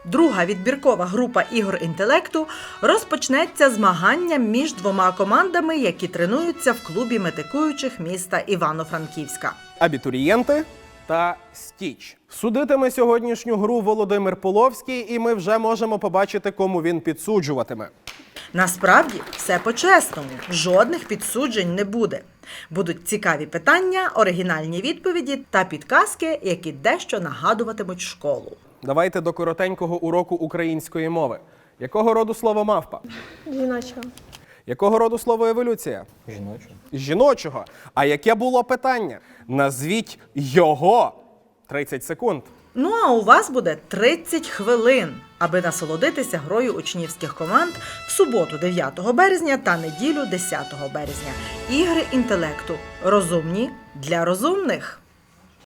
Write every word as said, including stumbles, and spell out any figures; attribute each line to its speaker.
Speaker 1: Друга відбіркова група ігор інтелекту розпочнеться змаганням між двома командами, які тренуються в клубі метикуючих міста Івано-Франківська.
Speaker 2: Абітурієнти та Стіч. Судитиме сьогоднішню гру Володимир Половський, і ми вже можемо побачити, кому він підсуджуватиме.
Speaker 1: Насправді, все по-чесному. Жодних підсуджень не буде. Будуть цікаві питання, оригінальні відповіді та підказки, які дещо нагадуватимуть школу.
Speaker 2: Давайте до коротенького уроку української мови. Якого роду слово мавпа?
Speaker 3: Жіночого.
Speaker 2: Якого роду слово еволюція?
Speaker 4: Жіночого.
Speaker 2: Жіночого. А яке було питання? Назвіть його. тридцять секунд.
Speaker 1: Ну а у вас буде тридцять хвилин, аби насолодитися грою учнівських команд в суботу дев'ятого березня та неділю десятого березня. Ігри інтелекту. Розумні для розумних.